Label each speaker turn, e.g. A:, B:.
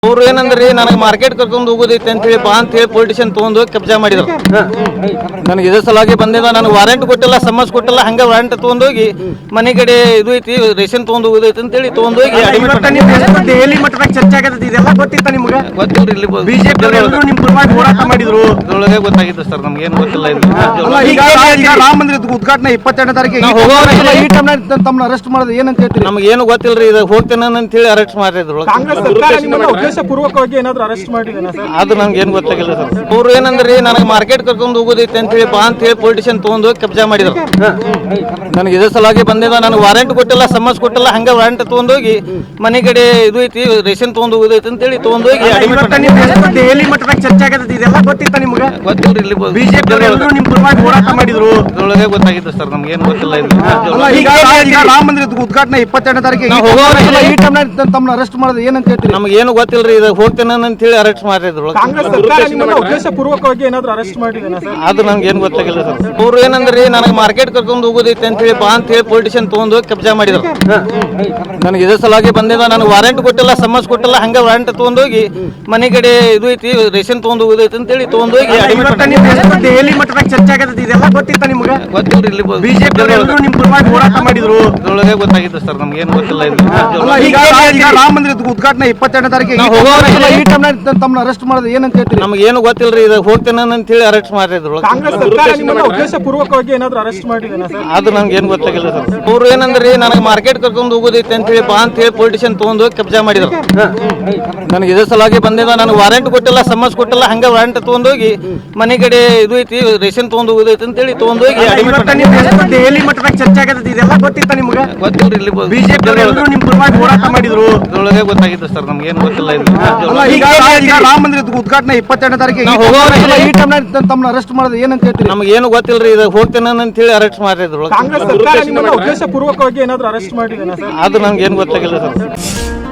A: ಅವ್ರು ಏನಂದ್ರಿ ನನಗೆ ಮಾರ್ಕೆಟ್ ಕರ್ಕೊಂಡು ಹೋಗೋದೈತೆ ಅಂತ ಹೇಳಿ ಬಾ ಅಂತ ಹೇಳಿ ಪೊಲಿಟಿಷಿಯನ್ ತಗೊಂಡು ಕಬ್ಜಾ ಮಾಡಿದ್ರು. ನನಗೆ ಇದೇ ಸಲಾಗಿ ಬಂದಿದ್ದ, ನನಗೆ ವಾರಂಟ್ ಕೊಟ್ಟಿಲ್ಲ, ಸಮನ್ಸ್ ಕೊಟ್ಟಿಲ್ಲ, ಹಂಗೆ ವಾರಂಟ್ ತಗೊಂಡೋಗಿ ಮನೆ ಕಡೆ ಇದು ಐತಿ ರೇಷನ್ ತಗೊಂಡು ಹೋಗೋದೈತೆ ಅಂತ ಹೇಳಿ ತಗೊಂಡೋಗಿ
B: ದೆಹಲಿ ಮಟ್ಟದಾಗ ಚರ್ಚೆ ಆಗತ್ತೆ. ಇದೆಲ್ಲ ಗೊತ್ತಿತ್ತ ನಿಮ್ಗೆ?
A: ಗೊತ್ತಿಲ್ರಿ, ಇಲ್ಲಿ
B: ಬಿಜೆಪಿ ನಿಮ್ ಪರವಾಗಿ ಹೋರಾಟ ಮಾಡಿದ್ರು,
A: ಇದ್ರೊಳಗೆ ಗೊತ್ತಾಗಿತ್ತು ಸರ್, ನಮ್ಗೆ ಏನು ಗೊತ್ತಿಲ್ಲ.
B: ಈಗ ರಾಮ ಮಂದಿರದ ಉದ್ಘಾಟನೆ 22ನೇ ತಾರೀಕಿಗೆ ಈ ಟೈಮ್ ತಮ್ಮನ್ನ ಅರೆಸ್ಟ್ ಮಾಡೋದು ಏನಂತ ಹೇಳ್ತೀರಿ?
A: ನಮ್ಗೆ ಏನು ಗೊತ್ತಿಲ್ರಿ, ಇದು ಹೋಗ್ತೇನೆ ಅಂತ ಹೇಳಿ ಅರೆಸ್ಟ್ ಮಾಡಿದ್ರು.
B: ಕಾಂಗ್ರೆಸ್ ಸರ್ಕಾರ ನಿಮ್ಮನ್ನ ಉದ್ದೇಶಪೂರ್ವಕವಾಗಿ ಏನಾದ್ರು ಅರೆಸ್ಟ್ ಮಾಡಿದೇನಾ ಸರ್?
A: ಅದು ನಮ್ಗೆ ಏನು ಗೊತ್ತಾಗಿಲ್ಲ ಸರ್. ಅವ್ರು ಏನಂದ್ರಿ ನನಗೆ ಮಾರ್ಕೆಟ್ ಕರ್ಕೊಂಡು ಹೋಗೋದೈತೆ ಅಂತ ಹೇಳಿ ಬಾ ಅಂತ ಹೇಳಿ ಪೊಲಿಟಿಷಿಯನ್ ತಗೊಂಡು ಕಬ್ಜಾ ಮಾಡಿದ್ರು. ನನಗೆ ಇದೇ ಸಲಾಗಿ ಬಂದಿದ್ದ, ನನಗೆ ವಾರಂಟ್ ಕೊಟ್ಟಿಲ್ಲ, ಸಮನ್ಸ್ ಕೊಟ್ಟಿಲ್ಲ, ಹಂಗೆ ವಾರಂಟ್ ತಗೊಂಡೋಗಿ ಮನೆ ಕಡೆ ಇದು ಐತಿ ರೇಷನ್ ತಗೊಂಡು ಹೋಗೋದೈತೆ ಅಂತ ಹೇಳಿ ತಗೊಂಡೋಗಿ
B: ದೆಹಲಿ ಮಟ್ಟದಾಗ ಚರ್ಚೆ ಆಗತ್ತೆ. ಇದೆಲ್ಲ ಗೊತ್ತಿತ್ತ ನಿಮ್ಗೆ?
A: ಗೊತ್ತಿಲ್ರಿ, ಇಲ್ಲಿ
B: ಬಿಜೆಪಿ ನಿಮ್ ಪರವಾಗಿ ಹೋರಾಟ ಮಾಡಿದ್ರು,
A: ಇದ್ರೊಳಗೆ ಗೊತ್ತಾಗಿತ್ತು ಸರ್, ನಮ್ಗೆ ಏನು ಗೊತ್ತಿಲ್ಲ.
B: ಈಗ ರಾಮ ಮಂದಿರದ ಉದ್ಘಾಟನೆ 22ನೇ ತಾರೀಕಿಗೆ ಈ ಟೈಮ್ ತಮ್ಮನ್ನ ಅರೆಸ್ಟ್ ಮಾಡೋದು ಏನಂತ ಹೇಳ್ತೀರಿ?
A: ನಮ್ಗೆ ಏನು ಗೊತ್ತಿಲ್ರಿ, ಇದು ಹೋಗ್ತೇನೆ ಅಂತ ಹೇಳಿ ಅರೆಸ್ಟ್ ಮಾಡಿದ್ರು.
B: ಕಾಂಗ್ರೆಸ್ ಸರ್ಕಾರ ನಿಮ್ಮನ್ನ ಉದ್ದೇಶಪೂರ್ವಕವಾಗಿ ಏನಾದ್ರು ಅರೆಸ್ಟ್ ಮಾಡಿದೇನಾ ಸರ್?
A: ಅದು ನಮ್ಗೆ ಏನು ಗೊತ್ತಾಗಿಲ್ಲ ಸರ್. ಅವ್ರು ಏನಂದ್ರಿ ನನಗೆ ಮಾರ್ಕೆಟ್ ಕರ್ಕೊಂಡು ಹೋಗೋದೈತೆ ಅಂತ ಹೇಳಿ ಬಾ ಅಂತ ಹೇಳಿ ಪೊಲಿಟಿಷಿಯನ್ ತಗೊಂಡು ಕಬ್ಜಾ ಮಾಡಿದ್ರು. ನನಗೆ ಇದೇ ಸಲಾಗಿ ಬಂದಿದ್ದ, ನನಗೆ ವಾರಂಟ್ ಕೊಟ್ಟಿಲ್ಲ, ಸಮನ್ಸ್ ಕೊಟ್ಟಿಲ್ಲ, ಹಂಗೆ ವಾರಂಟ್ ತಗೊಂಡೋಗಿ ಮನೆ ಕಡೆ ಇದು ಐತಿ ರೇಷನ್ ತಗೊಂಡು ಹೋಗೋದೈತೆ ಅಂತ ಹೇಳಿ ತಗೊಂಡೋಗಿ
B: ದೆಹಲಿ ಮಟ್ಟದಾಗ ಚರ್ಚೆ ಆಗತ್ತೆ. ಇದೆಲ್ಲ ಗೊತ್ತಿತ್ತ ನಿಮ್ಗೆ?
A: ಗೊತ್ತಿಲ್ರಿ, ಇಲ್ಲಿ
B: ಬಿಜೆಪಿ ನಿಮ್ ಪರವಾಗಿ ಹೋರಾಟ ಮಾಡಿದ್ರು,
A: ಇದ್ರೊಳಗೆ ಗೊತ್ತಾಗಿತ್ತು ಸರ್, ನಮ್ಗೆ ಏನು ಗೊತ್ತಿಲ್ಲ.
B: ಈಗ ರಾಮ ಮಂದಿರದ ಉದ್ಘಾಟನೆ 22ನೇ ತಾರೀಕಿಗೆ ಈ ಟೈಮ್ ತಮ್ಮನ್ನ ಅರೆಸ್ಟ್ ಮಾಡೋದು ಏನಂತ ಹೇಳ್ತೀರಿ?
A: ನಮ್ಗೆ ಏನು ಗೊತ್ತಿಲ್ರಿ, ಇದು ಹೋಗ್ತೇನೆ ಅಂತ ಹೇಳಿ ಅರೆಸ್ಟ್ ಮಾಡಿದ್ರು.
B: ಕಾಂಗ್ರೆಸ್ ಸರ್ಕಾರ ನಿಮ್ಮನ್ನ ಉದ್ದೇಶಪೂರ್ವಕವಾಗಿ ಏನಾದ್ರು ಅರೆಸ್ಟ್ ಮಾಡಿದೇನಾ ಸರ್?
A: ಅದು ನಮ್ಗೆ ಏನು ಗೊತ್ತಾಗಿಲ್ಲ ಸರ್. ಅವ್ರು ಏನಂದ್ರಿ ನನಗೆ ಮಾರ್ಕೆಟ್ ಕರ್ಕೊಂಡು ಹೋಗೋದೈತೆ ಅಂತ ಹೇಳಿ ಬಾ ಅಂತ ಹೇಳಿ ಪೊಲಿಟಿಷಿಯನ್ ತಗೊಂಡು ಕಬ್ಜಾ ಮಾಡಿದ್ರು. ನನಗೆ ಇದೇ ಸಲಾಗಿ ಬಂದಿದ್ದ, ನನಗೆ ವಾರಂಟ್ ಕೊಟ್ಟಿಲ್ಲ, ಸಮನ್ಸ್ ಕೊಟ್ಟಿಲ್ಲ, ಹಂಗೆ ವಾರಂಟ್ ತಗೊಂಡೋಗಿ ಮನೆ ಕಡೆ ಇದು ಐತಿ ರೇಷನ್ ತಗೊಂಡು ಹೋಗೋದೈತೆ ಅಂತ ಹೇಳಿ ತಗೊಂಡೋಗಿ
B: ದೆಹಲಿ ಮಟ್ಟದಾಗ ಚರ್ಚೆ ಆಗತ್ತೆ. ಇದೆಲ್ಲ ಗೊತ್ತಿತ್ತ ನಿಮ್ಗೆ?
A: ಗೊತ್ತಿಲ್ರಿ, ಇಲ್ಲಿ
B: ಬಿಜೆಪಿ ನಿಮ್ ಪರವಾಗಿ ಹೋರಾಟ ಮಾಡಿದ್ರು,
A: ಇದ್ರೊಳಗೆ ಗೊತ್ತಾಗಿತ್ತು ಸರ್, ನಮ್ಗೆ ಏನು ಗೊತ್ತಿಲ್ಲ.
B: ಈಗ ರಾಮ ಮಂದಿರದ ಉದ್ಘಾಟನೆ 22ನೇ ತಾರೀಕಿಗೆ ಈ ಟೈಮ್ ತಮ್ಮನ್ನ ಅರೆಸ್ಟ್ ಮಾಡೋದು ಏನಂತ ಹೇಳ್ತೀರಿ?
A: ನಮ್ಗೆ ಏನು ಗೊತ್ತಿಲ್ರಿ, ಇದು ಹೋಗ್ತೇನೆ ಅಂತ ಹೇಳಿ ಅರೆಸ್ಟ್ ಮಾಡಿದ್ರು.
B: ಕಾಂಗ್ರೆಸ್ ಸರ್ಕಾರ ನಿಮ್ಮನ್ನ ಉದ್ದೇಶಪೂರ್ವಕವಾಗಿ ಏನಾದ್ರು ಅರೆಸ್ಟ್ ಮಾಡಿದೇನಾ ಸರ್?
A: ಅದು ನಮ್ಗೆ ಏನು ಗೊತ್ತಾಗಿಲ್ಲ ಸರ್.